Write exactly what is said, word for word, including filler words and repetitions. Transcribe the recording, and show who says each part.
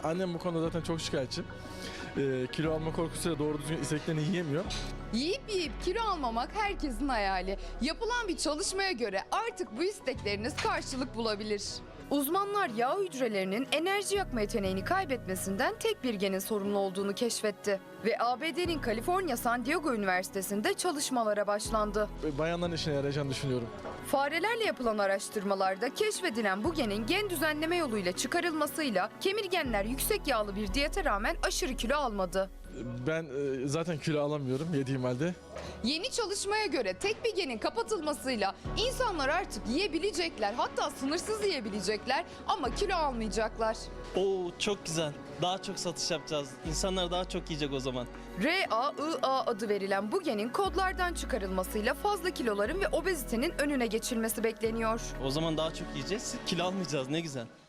Speaker 1: Annem bu konuda zaten çok şikayetçi. Ee, kilo alma korkusuyla doğru düzgün istediklerini yiyemiyor.
Speaker 2: Yiyip yiyip kilo almamak herkesin hayali. Yapılan bir çalışmaya göre artık bu istekleriniz karşılık bulabilir. Uzmanlar yağ hücrelerinin enerji yakma yeteneğini kaybetmesinden tek bir genin sorumlu olduğunu keşfetti. Ve A B D'nin Kaliforniya San Diego Üniversitesi'nde çalışmalara başlandı.
Speaker 1: Bayanların işine yarayacağını düşünüyorum.
Speaker 2: Farelerle yapılan araştırmalarda keşfedilen bu genin gen düzenleme yoluyla çıkarılmasıyla kemirgenler yüksek yağlı bir diyete rağmen aşırı kilo almadı.
Speaker 1: Ben e, zaten kilo alamıyorum yediğim halde.
Speaker 2: Yeni çalışmaya göre tek bir genin kapatılmasıyla insanlar artık yiyebilecekler, hatta sınırsız yiyebilecekler ama kilo almayacaklar.
Speaker 3: Oo, çok güzel. Daha çok satış yapacağız. İnsanlar daha çok yiyecek o zaman.
Speaker 2: R A I A adı verilen bu genin kodlardan çıkarılmasıyla fazla kiloların ve obezitenin önüne geçilmesi bekleniyor.
Speaker 3: O zaman daha çok yiyeceğiz. Kilo almayacağız. Ne güzel.